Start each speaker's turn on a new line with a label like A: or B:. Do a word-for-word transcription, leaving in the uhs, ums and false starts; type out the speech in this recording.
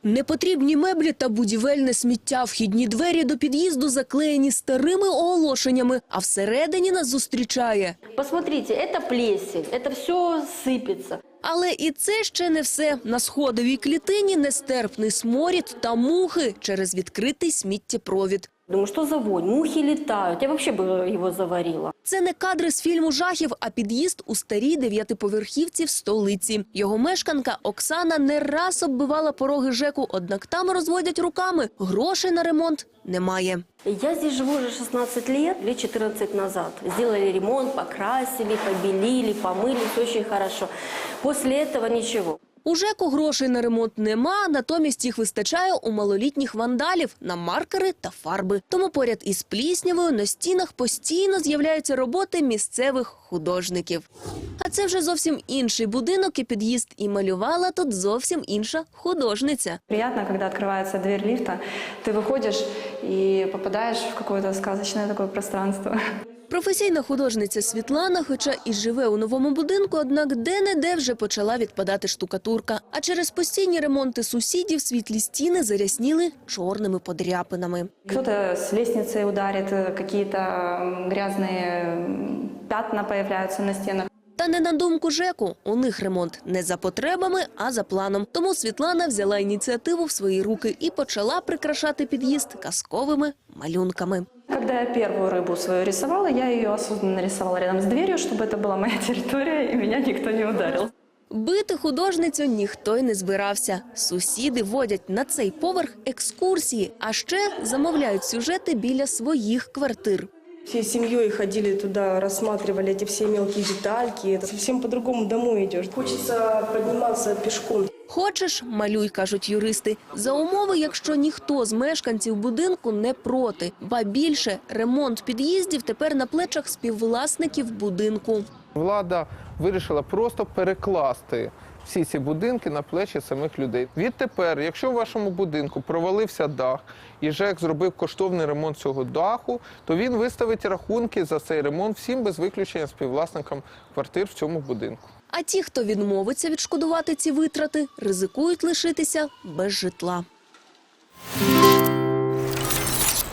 A: Непотрібні меблі та будівельне сміття. Вхідні двері до під'їзду заклеєні старими оголошеннями, а всередині нас зустрічає.
B: Посмотрите, это плесень, это все сыпется.
A: Але і це ще не все. На сходовій клітині нестерпний сморід та мухи через відкритий сміттєпровід.
B: Думаю, что за вонь? Мухи летают. Я вообще бы его заварила.
A: Це не кадри з фільму жахів, а під'їзд у старій дев'ятиповерхівці в столиці. Його мешканка Оксана не раз оббивала пороги ЖЕКу, однак там розводять руками. Грошей на ремонт немає.
B: Я здесь живу уже шестнадцать лет, лет четырнадцать назад. Сделали ремонт, покрасили, побелили, помыли, все очень хорошо. После этого ничего.
A: У ЖЕКу грошей на ремонт нема, натомість їх вистачає у малолітніх вандалів на маркери та фарби. Тому поряд із пліснявою на стінах постійно з'являються роботи місцевих художників. А це вже зовсім інший будинок і під'їзд, і малювала тут зовсім інша художниця.
C: Приятно, когда открывается дверь лифта, ты выходишь и попадаешь в какое-то сказочное такое пространство.
A: Професійна художниця Світлана, хоча і живе у новому будинку, однак де-не-де вже почала відпадати штукатурка. А через постійні ремонти сусідів світлі стіни зарясніли чорними подряпинами.
C: Кто-то с лестницы ударит, какие-то грязные пятна появляются на стенах.
A: Та не на думку ЖЕКу, у них ремонт не за потребами, а за планом. Тому Світлана взяла ініціативу в свої руки і почала прикрашати під'їзд казковими малюнками.
C: Когда я первую рыбу свою рисовала, я ее осознанно рисовала рядом с дверью, чтобы это была моя территория и меня никто не ударил.
A: Бити художницю ніхто й не збирався. Сусіди водять на цей поверх екскурсії, а ще замовляють сюжети біля своїх квартир.
D: Всей семьей ходили туда, рассматривали эти все мелкие детальки. Это совсем по-другому домой идешь. Хочется подниматься пешком.
A: Хочеш – малюй, кажуть юристи. За умови, якщо ніхто з мешканців будинку не проти. Ба більше, ремонт під'їздів тепер на плечах співвласників будинку.
E: Влада вирішила просто перекласти всі ці будинки на плечі самих людей. Відтепер, якщо в вашому будинку провалився дах і ЖЕК зробив коштовний ремонт цього даху, то він виставить рахунки за цей ремонт всім без виключення співвласникам квартир в цьому будинку.
A: А ті, хто відмовиться відшкодувати ці витрати, ризикують лишитися без житла.